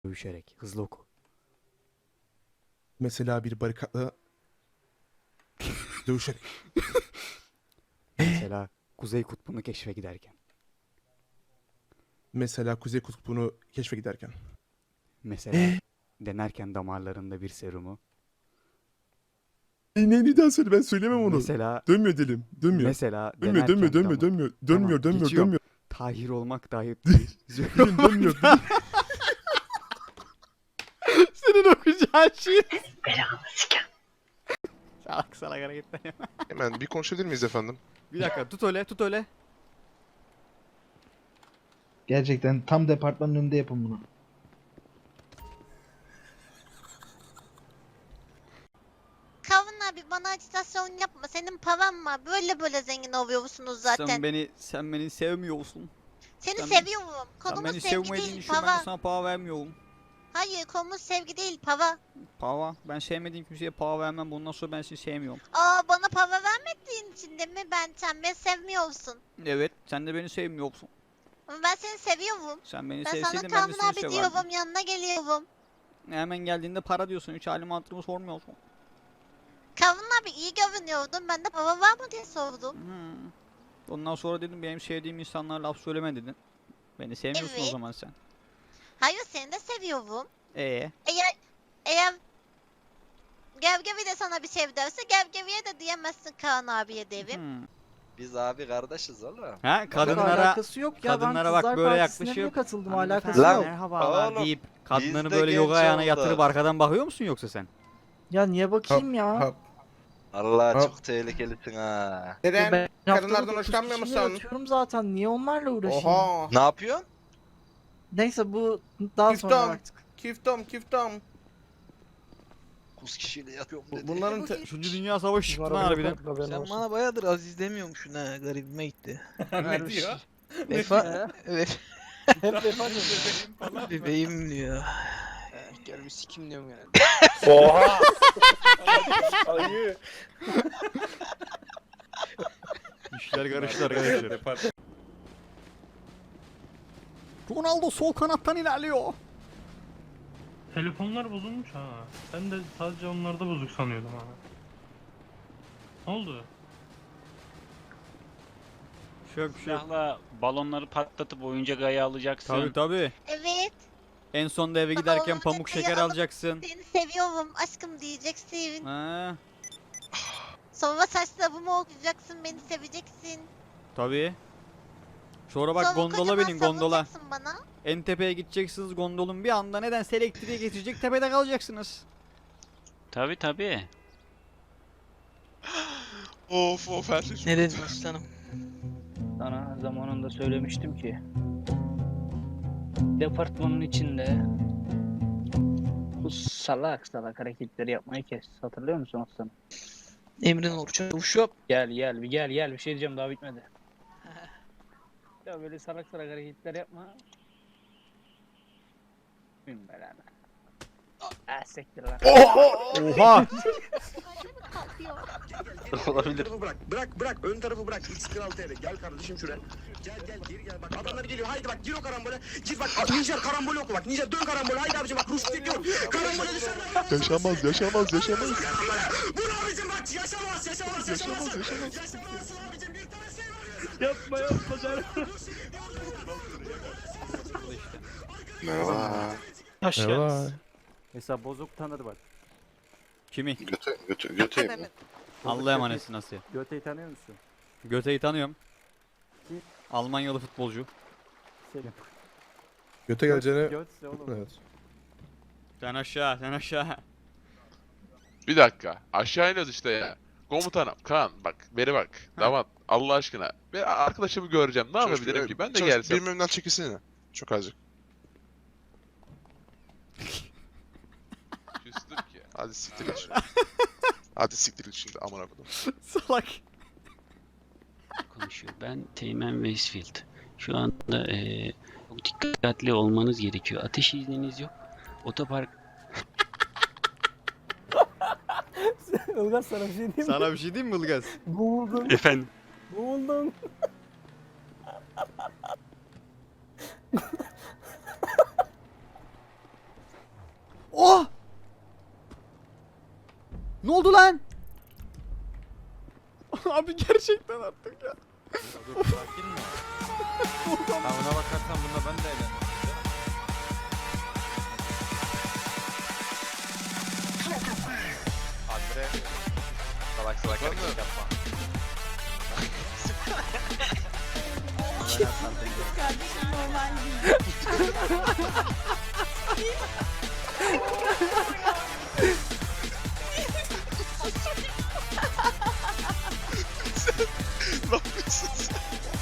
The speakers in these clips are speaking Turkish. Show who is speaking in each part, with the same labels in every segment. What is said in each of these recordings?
Speaker 1: Dövüşerek. Hızlı oku.
Speaker 2: Mesela bir barikatla dövüşerek.
Speaker 1: Mesela Kuzey Kutbu'nu keşfe giderken.
Speaker 2: Mesela Kuzey Kutbu'nu keşfe giderken.
Speaker 1: Mesela denerken damarlarında bir serumu.
Speaker 2: Ne daha söyle, ben söylemem onu.
Speaker 1: Mesela
Speaker 2: Dönmüyor dilim. Dönmüyor.
Speaker 1: mesela
Speaker 2: Dönmüyor,
Speaker 1: denerken
Speaker 2: dönmüyor,
Speaker 1: damar.
Speaker 2: dönmüyor.
Speaker 1: Tamam,
Speaker 2: Dönmüyor, dönmüyor,
Speaker 1: geçiyorum.
Speaker 2: dönmüyor.
Speaker 1: Tahir olmak dahi
Speaker 2: Dilim dönmüyor. Dilim.
Speaker 1: Senin okuyacağın şey.
Speaker 3: Belanı sikem.
Speaker 1: Salak salak hareketler yapma.
Speaker 4: Hemen bir konuşabilir miyiz efendim?
Speaker 1: Bir dakika tut öyle tut öyle.
Speaker 5: Gerçekten tam departmanın önünde yapın bunu.
Speaker 6: Kavun abi bana acitasyon yapma. Senin paran var. Böyle zengin oluyorsunuz zaten.
Speaker 1: Sen beni sevmiyorsun.
Speaker 6: Seni
Speaker 1: sen-
Speaker 6: seviyorum.
Speaker 1: Sen
Speaker 6: Konumuz
Speaker 1: beni
Speaker 6: sevgi
Speaker 1: sevmediğin
Speaker 6: değil
Speaker 1: için ben de
Speaker 6: para.
Speaker 1: sana para vermiyorum.
Speaker 6: Hayır konumuz sevgi değil para.
Speaker 1: Para. Ben sevmediğim kimseye para vermem. Bundan sonra ben seni sevmiyorum.
Speaker 6: Aa bana para vermediğin için de mi sen beni sevmiyorsun?
Speaker 1: Evet. Sen de beni sevmiyorsun.
Speaker 6: Ama ben seni seviyorum.
Speaker 1: Sen beni
Speaker 6: Ben sana
Speaker 1: sevseydin ben de
Speaker 6: Kavun
Speaker 1: seni
Speaker 6: abi
Speaker 1: severdim.
Speaker 6: diyorum yanına geliyorum.
Speaker 1: Hemen geldiğinde para diyorsun. Hiç halimi hatırımı sormuyorsun.
Speaker 6: Kavun abi iyi görünüyordun. Ben de para var mı diye sordum.
Speaker 1: Ondan sonra dedim benim sevdiğim insanlara laf söyleme dedin. Beni sevmiyorsun o
Speaker 6: Evet.
Speaker 1: zaman sen.
Speaker 6: Hayır seni de seviyorum.
Speaker 1: Eee?
Speaker 6: Eğer Gevgevi de sana bir şey derse Gevgevi'ye de diyemezsin Kaan abiye derim.
Speaker 7: Biz abi kardeşiz oğlum.
Speaker 1: Ha
Speaker 8: Yok,
Speaker 1: kadınlara
Speaker 8: alakası yok ya.
Speaker 1: kadınlara
Speaker 8: Ben
Speaker 1: bak
Speaker 8: Kızlar
Speaker 1: böyle
Speaker 8: Partisi'ne
Speaker 1: yaklaşıyor.
Speaker 8: bile katıldım,
Speaker 1: Hanımefendi,
Speaker 8: alakası
Speaker 7: Lan,
Speaker 8: yok.
Speaker 1: merhabalar
Speaker 7: oğlum,
Speaker 1: deyip
Speaker 7: biz
Speaker 1: kadınları
Speaker 7: de
Speaker 1: böyle yoga
Speaker 7: genç
Speaker 1: ayağına
Speaker 7: olduk.
Speaker 1: yatırıp arkadan bakıyor musun yoksa sen?
Speaker 8: Ya niye bakayım ya?
Speaker 2: Hop.
Speaker 7: Allah
Speaker 2: Hop.
Speaker 7: çok tehlikelisin ha.
Speaker 8: Ya
Speaker 2: Neden?
Speaker 8: ben
Speaker 2: Kadınlardan
Speaker 8: haftada
Speaker 2: hoşlanmıyor
Speaker 8: 9 kişiyle
Speaker 2: musun?
Speaker 8: yatıyorum zaten. Niye onlarla uğraşayım?
Speaker 2: Oha.
Speaker 7: Ne yapıyorsun?
Speaker 8: Neyse bu daha sonra
Speaker 2: Küftam.
Speaker 8: artık.
Speaker 2: Kiftam.
Speaker 7: 9 kişiyle yapıyorum dedi.
Speaker 2: Bunların
Speaker 1: Üçüncü Dünya Savaşı çıktı lan harbiden.
Speaker 9: Sen bana bayağıdır Aziz demiyormuşsun ha, garibime gitti.
Speaker 2: ne diyor?
Speaker 9: Vefa, evet,
Speaker 8: Hep vefat
Speaker 9: bebeğim diyor.
Speaker 10: Gelmiş sikim diyorum yani.
Speaker 2: Oha. Ayı.
Speaker 1: İşler karıştı arkadaşlar. Ronaldo sol kanattan ilerliyor.
Speaker 11: Telefonlar bozulmuş ha. Ben de sadece onlarda bozuk sanıyordum ha. Ne oldu?
Speaker 1: Şök şök.
Speaker 10: Silahla balonları patlatıp oyuncak ayı alacaksın.
Speaker 1: Tabi tabi.
Speaker 6: Evet
Speaker 1: En sonda eve
Speaker 6: Baba,
Speaker 1: giderken
Speaker 6: onu
Speaker 1: pamuk
Speaker 6: detayı
Speaker 1: şeker
Speaker 6: alıp-
Speaker 1: alacaksın.
Speaker 6: seni seviyorum aşkım diyeceksin.
Speaker 1: Ha,
Speaker 6: Sonra saçlarımı okuyacaksın beni seveceksin.
Speaker 1: tabi. Sonra bak
Speaker 6: Sonra
Speaker 1: gondola
Speaker 6: kocaman
Speaker 1: binin gondola.
Speaker 6: sarılacaksın bana.
Speaker 1: En tepeye gideceksiniz gondolun bir anda nedense elektriğe getirecek tepede kalacaksınız.
Speaker 10: Tabi.
Speaker 4: Of her şey.
Speaker 9: Ne dedin aslanım?
Speaker 10: Sana zamanında söylemiştim ki. Departmanın içinde bu salak hareketleri yapmayı kes. Hatırlıyor musun aslanım?
Speaker 9: Emrin olur çavuşum.
Speaker 10: Gel bir şey diyeceğim daha bitmedi. Ya böyle salak hareketler yapma. Bin belanı. Siktir lan.
Speaker 1: Oha!
Speaker 7: Olabilir.
Speaker 12: Bırak ön tarafı bırak. X46 TL. Gel kardeşim şuraya. Gel geri gel bak adamlar geliyor. Haydi bak gir o karambole. Gir bak Nijer karambol oku bak. Nijer dön karambole. Haydi abicim bak Rus tek yok. Karambole dışarıda.
Speaker 4: Yaşamaz.
Speaker 12: Vur abicim bak yaşamaz. Yaşamaz abicim bir tane şey var.
Speaker 11: Yapma canım.
Speaker 4: Merhaba.
Speaker 9: Hoş geldiniz.
Speaker 1: Mesela bozuk tanır bak. Kimi?
Speaker 4: Göteyim.
Speaker 1: Allah'a emanetsin Asya.
Speaker 8: Göte'yi tanıyor musun?
Speaker 1: Göte'yi tanıyorum. Almanyalı futbolcu.
Speaker 2: Göte geleceğine...
Speaker 8: Götse oğlum.
Speaker 2: Evet.
Speaker 1: Sen aşağı.
Speaker 4: Bir dakika. Aşağı iniyoruz işte ya. Komutanım, Kaan bak, beri bak. Damat, Allah aşkına. Ben arkadaşımı göreceğim. Ne yapabilirim ki? Ben de gelsem.
Speaker 12: Benim önümden çekilsene. Çok azıcık.
Speaker 4: Küstüm ki.
Speaker 12: Hadi siktir git şimdi. Hadi siktir git şimdi amına kodum.
Speaker 1: Salak.
Speaker 10: Konuşuyor. Ben Teğmen Westfield. Şu anda çok dikkatli olmanız gerekiyor. Ateş izniniz yok. Otopark
Speaker 8: Ilgaz sana bir şey diyeyim mi?
Speaker 1: Sana bir şey diyeyim mi Ilgaz?
Speaker 8: Boğuldun.
Speaker 10: efendim.
Speaker 8: Boğuldun.
Speaker 1: Ne oldu lan? Abi gerçekten artık ya.
Speaker 2: Dur sakin mi? Ha ona bakarsan bunda ben de eğlendim.
Speaker 7: Andre. Salak salak hareket yapma.
Speaker 6: Kardeşim normal değil.
Speaker 7: Ne yapıyorsun sen?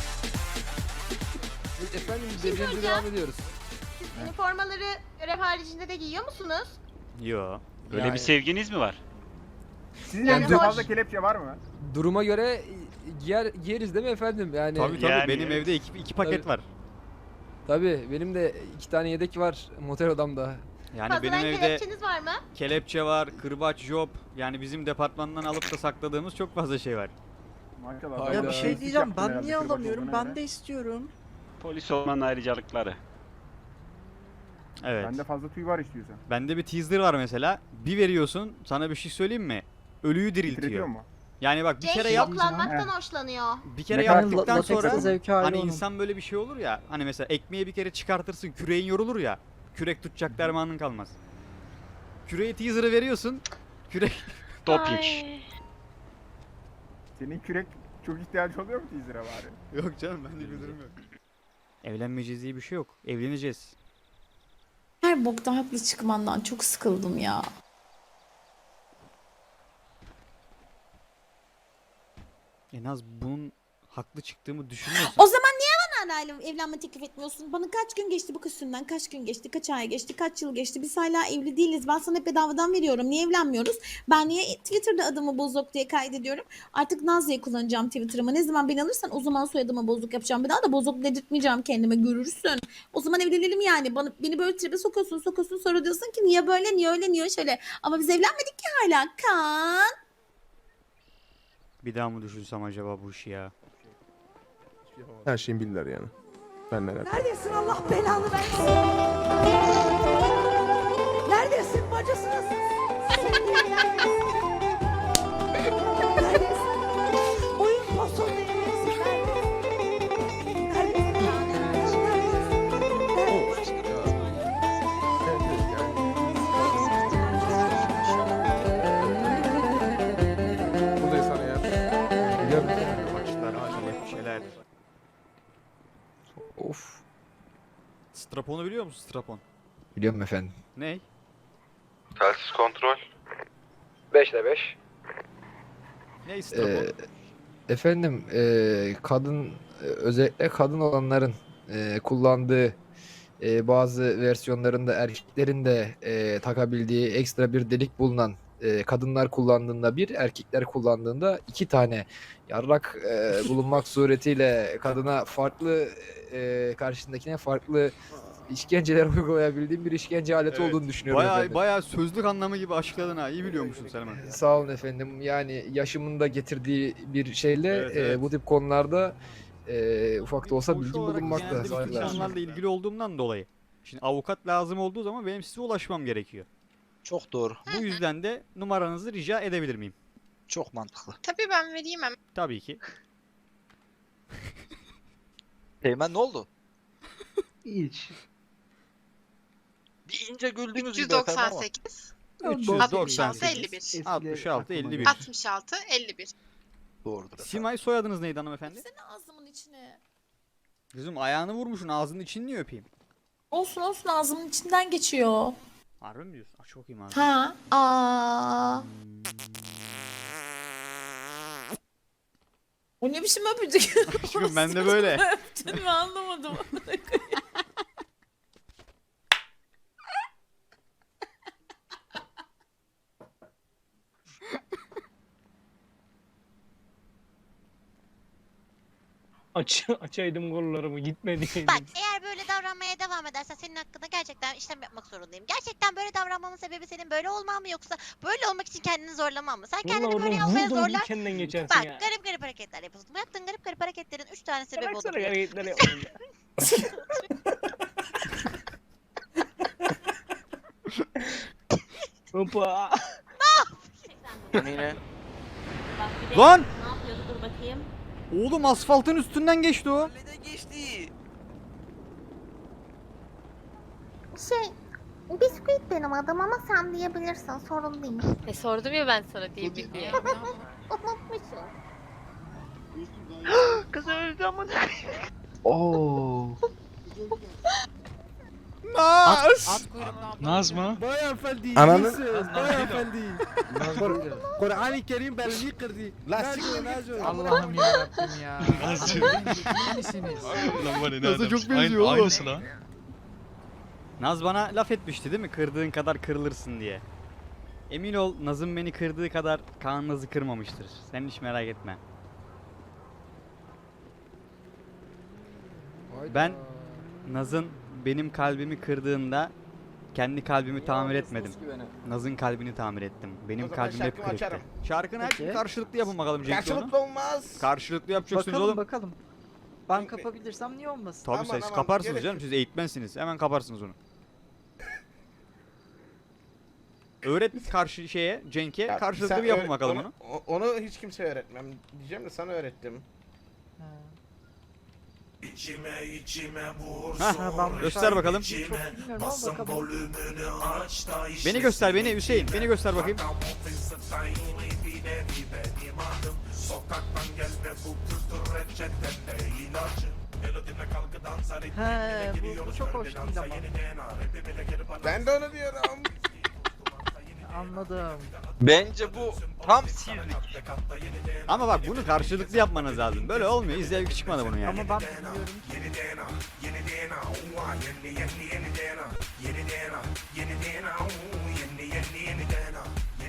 Speaker 5: Efendim devrimize devam ediyoruz.
Speaker 6: Üniformaları görev haricinde de giyiyor musunuz?
Speaker 1: Yo.
Speaker 10: Böyle bir sevginiz mi var?
Speaker 8: Sizin
Speaker 6: Yani
Speaker 8: elinizde
Speaker 6: hoş.
Speaker 8: fazla kelepçe var mı?
Speaker 5: Duruma göre giyeriz değil mi efendim? Yani
Speaker 1: Tabii
Speaker 10: Yani
Speaker 1: benim
Speaker 10: evet.
Speaker 1: evde iki paket
Speaker 5: Tabii.
Speaker 1: var.
Speaker 5: tabii benim de 2 tane yedek var motel odamda.
Speaker 1: Yani
Speaker 6: Fazladan
Speaker 1: benim evde
Speaker 6: kelepçeniz var mı?
Speaker 1: kelepçe var, kırbaç, job. Yani bizim departmandan alıp da sakladığımız çok fazla şey var.
Speaker 8: Maşallah.
Speaker 5: Ya
Speaker 8: bayağı
Speaker 5: bir
Speaker 8: değişik
Speaker 5: şey
Speaker 8: yaptın herhalde kırbaç olduğuna göre.
Speaker 5: istiyorum.
Speaker 10: Polis olmanın ayrıcalıkları.
Speaker 1: Evet.
Speaker 8: Bende fazla tüy var istiyorsan.
Speaker 1: Bende bir teaser var mesela. Bir veriyorsun, sana bir şey söyleyeyim mi? Ölüyü
Speaker 8: Titretiyor
Speaker 1: diriltiyor.
Speaker 8: mu?
Speaker 1: Yani bak bir
Speaker 6: Cenk
Speaker 1: kere yap,
Speaker 6: yoklanmaktan hoşlanıyor.
Speaker 1: bir kere
Speaker 8: Ne kadar
Speaker 1: yaptıktan sonra
Speaker 5: zevki
Speaker 1: hani insan böyle bir şey olur ya. Hani mesela ekmeği bir kere çıkartırsın, küreğin yorulur ya. Kürek tutacak dermanın kalmaz. Küreği teaser'ı veriyorsun. Kürek
Speaker 10: Doping.
Speaker 8: Senin kürek çok ihtiyacı oluyor mu teaser'a bari?
Speaker 1: yok canım, bende bir durum yok. Evlenmeyeceğiz diye bir şey yok. Evleneceğiz.
Speaker 3: Her bokta haklı çıkmandan çok sıkıldım ya.
Speaker 1: En az bunun haklı çıktığımı düşünüyorsun.
Speaker 3: O zaman niye bana hala evlenme teklif etmiyorsun? Bana kaç gün geçti bu kız üstünden? Kaç gün geçti? Kaç ay geçti? Kaç yıl geçti? Biz hala evli değiliz. Ben sana hep bedavadan veriyorum. Niye evlenmiyoruz? Ben niye Twitter'da adımı bozuk diye kaydediyorum? Artık Naz diye kullanacağım Twitter'ımı. Ne zaman beni alırsan o zaman soyadımı bozuk yapacağım. Bir daha da bozuk dedirtmeyeceğim kendime. Görürsün. O zaman evlenelim yani. Beni böyle tribe sokuyorsun. Sonra diyorsun ki niye böyle, niye öyle, niye şöyle. Ama biz evlenmedik ki hala. Kan.
Speaker 1: Bir daha mı düşünsem acaba bu işi ya?
Speaker 2: Her şeyi bilirler yani. Ben neler.
Speaker 3: Neredesin Allah belanı versin? Neredesin bacısınız? Neredesin? Oyun posun neredesin?
Speaker 2: Bu da sana ya.
Speaker 1: Başlar, kelepçeler.
Speaker 5: Of.
Speaker 1: Strapon'u biliyor musun, strapon?
Speaker 5: Biliyorum efendim.
Speaker 1: Ney?
Speaker 7: Telsiz kontrol.
Speaker 5: 5'te 5.
Speaker 1: Ney strapon?
Speaker 5: Efendim kadın özellikle kadın olanların kullandığı bazı versiyonlarında erkeklerin de takabildiği ekstra bir delik bulunan kadınlar kullandığında bir, erkekler kullandığında 2 tane yarrak bulunmak suretiyle kadına farklı karşısındakine farklı işkenceler uygulayabildiğim bir işkence aleti
Speaker 1: Evet.
Speaker 5: olduğunu düşünüyorum efendim.
Speaker 1: Bayağı sözlük anlamı gibi açıkladın ha. İyi biliyormuşsun Selman.
Speaker 5: Sağ olun efendim. Yani yaşımın da getirdiği bir şeyle
Speaker 1: Evet, evet.
Speaker 5: bu tip konularda ufak da olsa
Speaker 1: Koğuş
Speaker 5: bilgim
Speaker 1: olarak
Speaker 5: bulunmakta.
Speaker 1: genelde bu tip
Speaker 5: Saygılar.
Speaker 1: konularla ilgili olduğumdan dolayı. Şimdi avukat lazım olduğu zaman benim size ulaşmam gerekiyor.
Speaker 7: Çok doğru.
Speaker 1: Bu yüzden de numaranızı rica edebilir miyim?
Speaker 7: Çok mantıklı.
Speaker 6: Tabii ben vereyim hemen.
Speaker 1: Tabii ki.
Speaker 7: Teğmen ne oldu?
Speaker 5: Hiç.
Speaker 7: Bir ince güldünüz gibi efendim ama.
Speaker 6: 398
Speaker 1: 398
Speaker 6: 51
Speaker 1: 66 51.
Speaker 6: 66 51.
Speaker 7: Doğrudur efendim.
Speaker 1: Simay soyadınız neydi hanımefendi?
Speaker 3: Seni ağzımın içine.
Speaker 1: Kızım ayağını vurmuşsun, ağzının içini niye öpeyim?
Speaker 3: Olsun ağzımın içinden geçiyor.
Speaker 1: Harbi mi diyorsun? Çok iyi ağzını.
Speaker 3: Ha. Aa. O ne biçim öpücük?
Speaker 1: Aşkım ben de böyle.
Speaker 3: Öptün mü anlamadım.
Speaker 11: Açaydım kollarımı gitmedi.
Speaker 6: Bak eğer böyle davranmaya devam edersen senin hakkında gerçekten işlem yapmak zorundayım. Gerçekten böyle davranmamın sebebi senin böyle olman mı yoksa böyle olmak için kendini zorlaman mı? Sen kendini böyle yapmaya zorlar.
Speaker 11: Kendinden geçersin
Speaker 6: Bak
Speaker 11: ya.
Speaker 6: garip hareketler yapıyorsun. Bu yaptığın garip hareketlerin 3 tane sebebi
Speaker 11: Baksana
Speaker 6: olabilir.
Speaker 11: hareketler yapıyorum ya. Hoppa.
Speaker 2: Yine.
Speaker 1: Lan!
Speaker 3: Ne yapıyordu dur bakayım.
Speaker 1: Oğlum asfaltın üstünden geçti o.
Speaker 9: Neden geçti?
Speaker 3: Bisküvit benim adım ama sen diyebilirsin sorun değil.
Speaker 6: Sordum ya ben sana diyebil diye.
Speaker 3: Unutmuşum.
Speaker 9: Kız öldü ama.
Speaker 7: Oo.
Speaker 1: Naz!
Speaker 2: Naz mı?
Speaker 5: Bayan efendi.
Speaker 7: Ananın-
Speaker 5: Bayan efendi. Kur'an-ı Kerim beni kırdı. Nazo.
Speaker 2: Allah'ım yarabbim ya.
Speaker 4: Nazcı.
Speaker 1: Naz'a çok benziyor oğlum.
Speaker 2: Aynısı lan.
Speaker 1: Naz bana laf etmişti değil mi? Kırdığın kadar kırılırsın diye. Emin ol Naz'ın beni kırdığı kadar Kaan Naz'ı kırmamıştır. Sen hiç merak etme. Ben Naz'ın benim kalbimi kırdığında kendi kalbimi tamir etmedim. Naz'ın kalbini tamir ettim. Benim kalbim hep kırıktı. Şarkını her karşılıklı yapın bakalım Cenk'le onu.
Speaker 8: olmaz.
Speaker 1: Karşılıklı yapacaksınız oğlum.
Speaker 9: Bakalım. Ben kapabilirsem niye olmasın?
Speaker 1: Tabii siz kaparsınız canım. Siz eğitmensiniz. Hemen kaparsınız onu. Öğret karşı şeye Cenk'e karşılıklı bir yapın bakalım onu.
Speaker 8: Onu hiç kimse öğretmem. Diyeceğim de sana öğrettim.
Speaker 1: Hah, göster bakalım. Beni göster beni Hüseyin. Beni göster bakayım.
Speaker 9: He, bu çok hoş değil ama.
Speaker 8: Ben de onu diyorum.
Speaker 9: Anladım.
Speaker 7: Bence bu tam sirlik.
Speaker 1: Ama bak bunu karşılıklı yapmanız lazım. Böyle olmuyor. İzleyip çıkmadı bunu yani.
Speaker 9: Ama ben biliyorum ki.